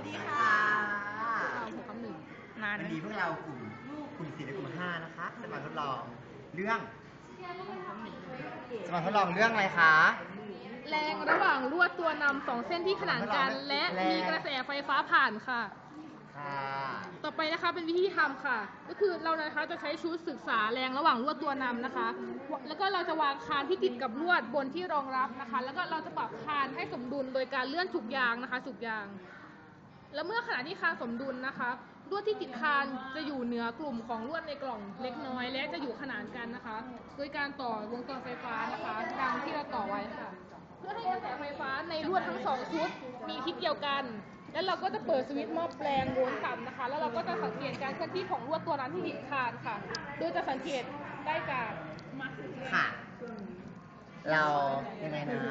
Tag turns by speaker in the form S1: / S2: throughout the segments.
S1: ดีค่ะ
S2: วันนี้พวกเรากลุ่ม4และกลุ่ม5นะคะจะมาทดลองเรื่องอะไรคะ
S1: แรงระหว่างลวดตัวนำ2 เส้นที่ขนานกันและมีกระแสไฟฟ้าผ่านค่ะต่อไปนะคะเป็นวิธีทำค่ะก็คือเรานะคะจะใช้ชุดศึกษาแรงระหว่างลวดตัวนำนะคะแล้วก็เราจะวางคานที่ติดกับลวดบนที่รองรับนะคะแล้วก็เราจะปรับคานให้สมดุลโดยการเลื่อนฉุกยางนะคะฉุกยางแล้วเมื่อขณะที่คานสมดุลนะคะลวดที่ติดคานจะอยู่เหนือกลุ่มของลวดในกล่องเล็กน้อยและจะอยู่ขนานกันนะคะโดยการต่อวงจรไฟฟ้านะคะดังที่เราต่อไว้ค่ะเพื่อให้กระแสไฟฟ้าในลวดทั้ง2 ชุดมีทิศเดียวกันแล้วเราก็จะเปิดสวิตช์หม้อแปลงโวลต์ต่ำนะคะแล้วเราก็จะสังเกตการเคลื่อนที่ของลวดตัวนั้นที่ติดคานค่ะโดยจะสังเกตได้จาก
S2: ค่ะเรายังไงนะ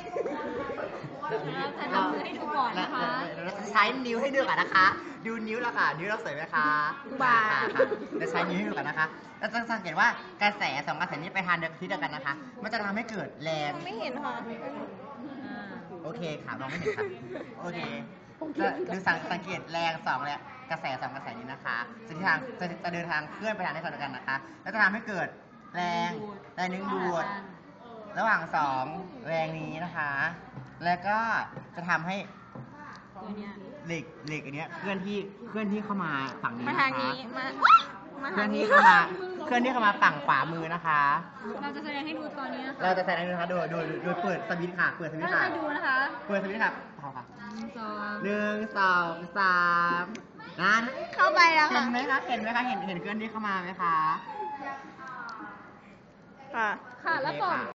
S3: จะทำมือให้ดูก่อนนะคะ
S2: เราจะใช้นิ้วให้ดูก่อนนะคะดูนิ้วเราค่ะนิ้วเราสวยไหมคะ
S3: บ้า
S2: เราใช้นิ้วให้ดูก่อนนะคะเราจะสังเกตว่ากระแส2 กระแสนี้ไปทางทิศเดียวกันนะคะมันจะทำให้เกิดแรง
S3: ไม่เห็นค่ะ
S2: โอเคค่ะมองไม่เห็นค่ะโอเคดูสังเกตแรง2และกระแส2 กระแสนี้นะคะจะเดินทางเคลื่อนไปทางทิศเดียวกันนะคะแล้วจะทำให้เกิดแรงดึงดูดระหว่าง2แรงนี้นะคะแล้วก็จะทำให้เหล็กอันนี้เคลื่อนที่เข้ามาฝั่งนี้นะคะเคลื่อนที่เข้ามาฝั่งขวามือนะคะ
S3: เราจะแสดงให้ดูตอนนี้นะคะ
S2: เราจะแสดงให้ดูนะคะโดยเปิดสวิตช์ค่ะเปิดสวิตช์ค่ะ
S3: ดูนะคะ
S2: เปิดสวิตช์ค่ะเอาค่ะ1 2 3นั่น
S3: เข้าไปแล้วค่ะ
S2: เห็นไหมคะเห็นเคลื่อนที่เข้ามาไหมคะ
S3: ค่ะ
S1: แล้วก่อน